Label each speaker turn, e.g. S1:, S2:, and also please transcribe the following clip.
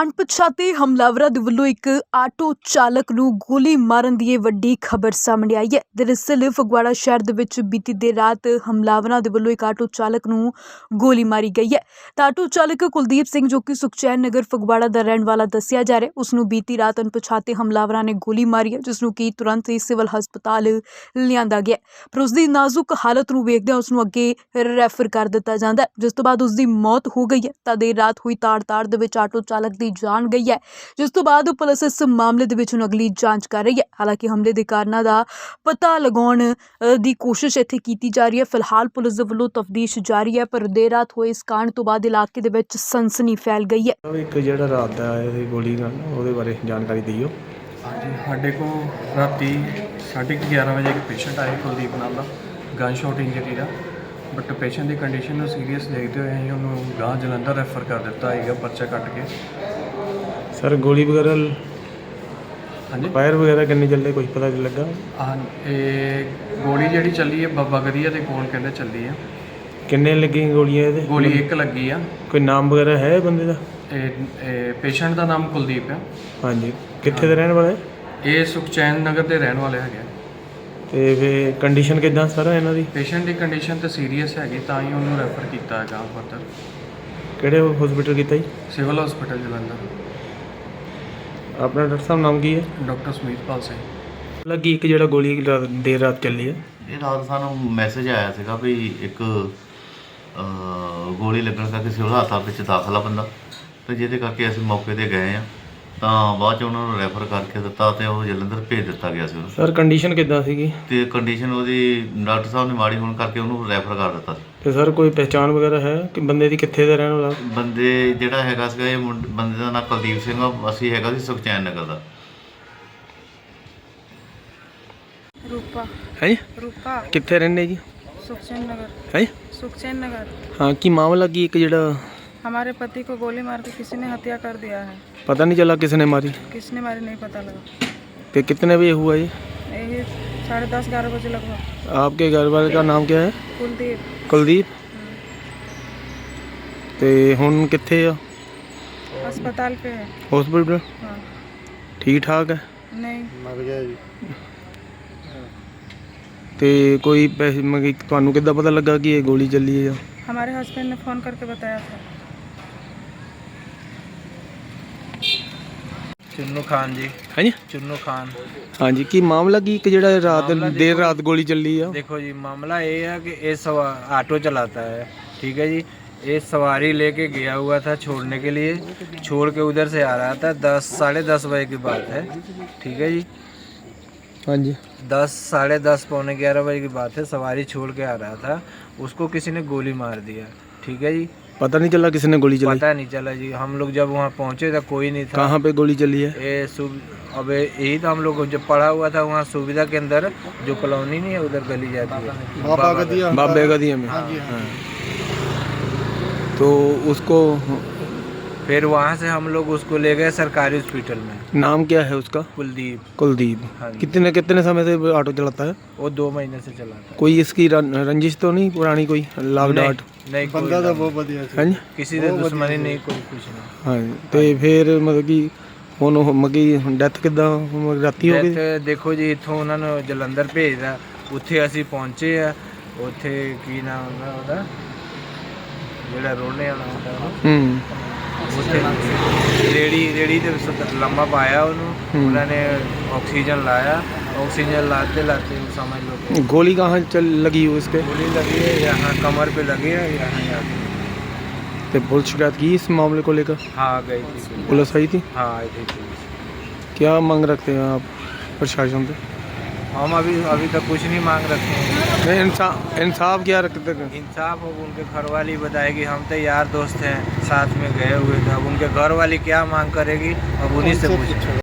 S1: ਅਣਪਛਾਤੇ ਹਮਲਾਵਰਾਂ ਦੇ ਵੱਲੋਂ ਇੱਕ ਆਟੋ ਚਾਲਕ ਨੂੰ ਗੋਲੀ ਮਾਰਨ ਦੀ ਇਹ ਵੱਡੀ ਖਬਰ ਸਾਹਮਣੇ ਆਈ ਹੈ। ਦਰਅਸਲ ਫਗਵਾੜਾ ਸ਼ਹਿਰ ਦੇ ਵਿੱਚ ਬੀਤੀ ਦੇਰ ਰਾਤ ਹਮਲਾਵਰਾਂ ਦੇ ਵੱਲੋਂ ਇੱਕ ਆਟੋ ਚਾਲਕ ਨੂੰ ਗੋਲੀ ਮਾਰੀ ਗਈ ਹੈ। ਤਾਂ ਆਟੋ ਚਾਲਕ ਕੁਲਦੀਪ ਸਿੰਘ ਜੋ ਕਿ ਸੁਖਚੈਨ ਨਗਰ ਫਗਵਾੜਾ ਦਾ ਰਹਿਣ ਵਾਲਾ ਦੱਸਿਆ ਜਾ ਰਿਹਾ, ਉਸ ਨੂੰ ਬੀਤੀ ਰਾਤ ਅਣਪਛਾਤੇ ਹਮਲਾਵਰਾਂ ਨੇ ਗੋਲੀ ਮਾਰੀ ਹੈ, ਜਿਸ ਨੂੰ ਕਿ ਤੁਰੰਤ ਹੀ ਸਿਵਲ ਹਸਪਤਾਲ ਲਿਆਂਦਾ ਗਿਆ। ਪਰ ਉਸ ਦੀ ਨਾਜ਼ੁਕ ਹਾਲਤ ਨੂੰ ਵੇਖਦਿਆਂ ਉਸ ਨੂੰ ਅੱਗੇ ਰੈਫਰ ਕਰ ਦਿੱਤਾ ਜਾਂਦਾ ਹੈ, ਜਿਸ ਤੋਂ ਬਾਅਦ ਉਸ ਦੀ ਮੌਤ ਹੋ ਗਈ ਹੈ। ਤਾਂ ਦੇਰ ਰਾਤ ਹੋਈ ਤਾੜ ਦੇ ਵਿੱਚ ਆਟੋ ਚਾਲਕ ਦੀ ਜਾਨ ਗਈ ਹੈ, ਜਿਸ ਤੋਂ ਬਾਅਦ ਪੁਲਿਸ ਇਸ ਮਾਮਲੇ ਦੇ ਵਿੱਚ ਹੁਣ ਅਗਲੀ ਜਾਂਚ ਕਰ ਰਹੀ ਹੈ। ਹਾਲਾਂਕਿ ਹਮਲੇ ਦੇ ਕਾਰਨਾਂ ਦਾ ਪਤਾ ਲਗਾਉਣ ਦੀ ਕੋਸ਼ਿਸ਼ ਇੱਥੇ ਕੀਤੀ ਜਾ ਰਹੀ ਹੈ। ਫਿਲਹਾਲ ਪੁਲਿਸ ਦੇ ਵੱਲੋਂ ਤਫਤੀਸ਼ ਜਾਰੀ ਹੈ, ਪਰ ਦੇਰ ਰਾਤ ਹੋਏ ਇਸ ਕਾਂਡ ਤੋਂ ਬਾਅਦ ਇਲਾਕੇ ਦੇ ਵਿੱਚ ਸਨਸਨੀ ਫੈਲ ਗਈ ਹੈ।
S2: ਇੱਕ ਜਿਹੜਾ ਰਾਤ ਦਾ ਆਇਆ ਗੋਲੀ ਨਾਲ ਉਹਦੇ ਬਾਰੇ ਜਾਣਕਾਰੀ ਦਿਓ।
S3: ਹਾਂਜੀ, ਸਾਡੇ ਕੋਲ ਰਾਤੀ 11:30 ਵਜੇ ਇੱਕ ਪੇਸ਼ੈਂਟ ਆਇਆ ਕੁਲਦੀਪ ਨਾਮ ਦਾ, ਗਨ ਸ਼ਾਟ ਇੰਜਰੀ ਦਾ। ਬਟ ਪੇਸ਼ੈਂਟ ਦੀ ਕੰਡੀਸ਼ਨ ਨੂੰ ਸੀਰੀਅਸ ਦੇਖਦੇ ਹੋਏ ਅਸੀਂ ਉਹਨੂੰ ਗਾਂ ਜਲੰਧਰ ਰੈਫਰ ਕਰ ਦਿੱਤਾ ਹੈਗਾ ਪਰਚਾ ਕੱਟ ਕੇ।
S2: ਸਰ ਗੋਲੀ ਵਗੈਰਾ
S3: ਹਾਂਜੀ,
S2: ਫਾਇਰ ਵਗੈਰਾ ਕਿੰਨੇ ਚੱਲੇ ਕੁਝ ਪਤਾ ਨਹੀਂ ਲੱਗਾ?
S3: ਹਾਂ, ਇਹ ਗੋਲੀ ਜਿਹੜੀ ਚੱਲੀ ਹੈ ਬਾਬਾ ਗਰੀਆ ਦੇ ਕੋਲ ਕਹਿੰਦੇ ਚੱਲੀ ਆ।
S2: ਕਿੰਨੇ ਲੱਗੀਆਂ ਗੋਲੀਆਂ ਇਹਦੇ?
S3: ਗੋਲੀ ਇੱਕ ਲੱਗੀ ਆ।
S2: ਕੋਈ ਨਾਮ ਵਗੈਰਾ ਹੈ ਬੰਦੇ ਦਾ?
S3: ਇਹ ਪੇਸ਼ੈਂਟ ਦਾ ਨਾਮ ਕੁਲਦੀਪ ਹੈ।
S2: ਹਾਂਜੀ, ਕਿੱਥੇ ਦੇ ਰਹਿਣ ਵਾਲੇ?
S3: ਇਹ ਸੁਖਚੈਨ ਨਗਰ ਦੇ ਰਹਿਣ ਵਾਲੇ ਹੈਗੇ।
S2: ਤੇ ਫਿਰ ਕੰਡੀਸ਼ਨ ਕਿੱਦਾਂ ਸਰ ਇਹਨਾਂ ਦੀ?
S3: ਪੇਸ਼ੈਂਟ ਦੀ ਕੰਡੀਸ਼ਨ ਤਾਂ ਸੀਰੀਅਸ ਹੈਗੀ, ਤਾਂ ਹੀ ਉਹਨੂੰ ਰੈਫਰ ਕੀਤਾ ਹੈਗਾ ਫਰਦਰ।
S2: ਕਿਹੜੇ ਹਸਪੀਟਲ ਕੀਤਾ ਜੀ?
S3: Civil hospital Jalandhar.
S2: ਆਪਣਾ ਡਾਕਟਰ ਸਾਹਿਬ ਨਾਮ ਕੀ ਹੈ?
S3: ਡਾਕਟਰ ਸੁਮੀਤਪਾਲ ਸਿੰਘ।
S2: ਲੱਗੀ ਇੱਕ ਜਿਹੜਾ ਗੋਲੀ ਦੇਰ ਰਾਤ ਚੱਲੀ ਹੈ,
S4: ਇਹ ਰਾਤ ਸਾਨੂੰ ਮੈਸੇਜ ਆਇਆ ਸੀਗਾ ਵੀ ਇੱਕ ਗੋਲੀ ਲੱਗਣ ਕਰਕੇ ਸਿਵਲ ਹਸਪਤਾਲ ਵਿੱਚ ਦਾਖਲ ਆ ਬੰਦਾ, ਤੇ ਜਿਹਦੇ ਕਰਕੇ ਅਸੀਂ ਮੌਕੇ 'ਤੇ ਗਏ ਆ। ਤਾਂ ਬਾਅਦ 'ਚ ਉਹਨਾਂ ਨੂੰ ਰੈਫਰ ਕਰਕੇ ਦਿੱਤਾ ਤੇ ਉਹ ਜਲੰਧਰ ਭੇਜ ਦਿੱਤਾ ਗਿਆ ਸੀ ਉਹਨੂੰ।
S2: ਸਰ ਕੰਡੀਸ਼ਨ ਕਿੱਦਾਂ ਸੀਗੀ?
S4: ਤੇ ਕੰਡੀਸ਼ਨ ਉਹਦੀ ਡਾਕਟਰ ਸਾਹਿਬ ਨੇ ਮਾੜੀ ਹੋਣ ਕਰਕੇ ਉਹਨੂੰ ਰੈਫਰ ਕਰ ਦਿੱਤਾ ਸੀ।
S2: ਤੇ ਸਰ ਕੋਈ ਪਹਿਚਾਣ ਵਗੈਰਾ ਹੈ ਕਿ ਬੰਦੇ ਦੀ ਕਿੱਥੇ ਦਾ ਰਹਿਣ ਵਾਲਾ?
S4: ਬੰਦੇ ਜਿਹੜਾ ਹੈਗਾ ਸੀਗਾ ਇਹ ਬੰਦੇ ਦਾ ਨਾਮ ਕੁਲਦੀਪ ਸਿੰਘ ਆ, ਅਸੀਂ ਹੈਗਾ ਸੀ ਸੁਖਚੈਨ ਨਗਰ ਦਾ।
S5: रूपा
S2: ਹੈ ਜੀ?
S5: रूपा
S2: ਕਿੱਥੇ ਰਹਿੰਦੇ ਜੀ?
S5: सुखचैन नगर।
S2: ਹੈ ਜੀ?
S5: सुखचैन नगर।
S2: ਹਾਂ, ਕੀ मामला की एक ਜਿਹੜਾ
S5: हमारे पति को गोली मार के किसी ने हत्या कर दिया है।
S2: पता नहीं चला किसने मारी?
S5: किसने मारी नहीं पता लगा।
S2: तो कितने बजे हुआ ये?
S5: यही 10:30-11 बजे लगभग।
S2: आपके घर वाले का नाम क्या है?
S5: कुलदीप।
S2: कुलदीप। तो हुन कित्थे आ?
S5: अस्पताल पे है।
S2: हॉस्पिटल?
S5: हाँ।
S2: ठीक ठाक है?
S5: नहीं।
S2: तो कोई पैसे ਤੁਹਾਨੂੰ ਕਿੱਦਾਂ ਪਤਾ ਲੱਗਾ ਕਿ ਇਹ ਗੋਲੀ ਚੱਲੀ ਹੈ?
S5: हमारे हस्बैंड ने फ़ोन करके बताया था।
S6: चुन्नू खान जी।
S2: है जी?
S6: चुन्नू खान।
S2: हाँ जी, की मामला की एक ਜਿਹੜਾ ਰਾਤ
S6: मामला
S2: देर रात गोली ਚੱਲੀ ਆ?
S6: देखो जी, मामला ये है कि ये ऑटो चलाता है, ठीक है जी। ये सवारी लेके गया हुआ था छोड़ने के लिए, छोड़ के उधर से आ रहा था। 10-10:30 बजे की बात है, ठीक है जी।
S2: हाँ जी।
S6: 10-10:30 पौने 11 बजे की बात है। सवारी छोड़ के आ रहा था, उसको किसी ने गोली मार दिया, ठीक है जी।
S2: पता नहीं चला किसने गोली चलाई?
S6: पता नहीं चला जी। हम लोग जब वहाँ पहुँचे तो कोई नहीं था।
S2: कहाँ पे गोली चली है?
S6: अब यही तो हम लोग जब पड़ा हुआ था वहाँ सुविधा के अंदर, जो कॉलोनी नहीं है उधर गली जाती है
S2: बाबे गदिया में। हाँ। तो उसको
S6: फिर वहाँ से हम लोग उसको ले गए सरकारी हॉस्पिटल में।
S2: नाम क्या है उसका?
S6: कुलदीप।
S2: कुलदीप।
S6: हाँ जी।
S2: कितने समय से ऑटो चलाता है?
S6: वो 2 महीने से चला था।
S2: कोई इसकी रंजिश तो नहीं पुरानी, कोई लाभ डाट?
S6: नहीं, बंदा तो बहुत बढ़िया
S2: है जी?
S6: किसी से दुश्मनी नहीं, कोई कुछ नहीं।
S2: हाँ जी। तो फिर मतलब कि ਹੁਣ ਮਗੀ ਡੈਥ ਕਿੱਦਾਂ ਰਾਤੀ ਹੋ ਗਈ?
S6: ਦੇਖੋ ਜੀ, ਇੱਥੋਂ ਉਹਨਾਂ ਨੂੰ ਜਲੰਧਰ ਭੇਜਦਾ, ਉੱਥੇ ਅਸੀਂ ਪਹੁੰਚੇ ਆ। ਉੱਥੇ ਕੀ ਨਾਮ ਹੁੰਦਾ ਉਹਦਾ, ਜਿਹੜਾ ਰੋਣੇ ਵਾਲਾ ਹੁੰਦਾ, ਉੱਥੇ ਰੇੜੀ ਦੇ ਲੰਮਾ ਪਾਇਆ ਉਹਨੂੰ, ਉਹਨਾਂ ਨੇ ऑक्सीजन लाया। ऑक्सीजन लाते समझ लो
S2: गोली कहाँ लगी हुई उसके?
S6: गोली लगी है यहाँ कमर पे लगी है, यहाँ
S2: तो पुलिस शिकायत की इस मामले को लेकर?
S6: हाँ, गई थी
S2: पुलिस आई थी?
S6: हाँ, आई थी।
S2: क्या मांग रखते हैं आप प्रशासन से?
S6: हम अभी तक कुछ नहीं मांग रखे हैं।
S2: नहीं, इंसाफ क्या रखते हैं?
S6: इंसाफ अब उनके घर वाली बताएगी। हम तो यार दोस्त हैं, साथ में गए हुए थे। अब उनके घर वाली क्या मांग करेगी, अब उन्हीं से पूछो।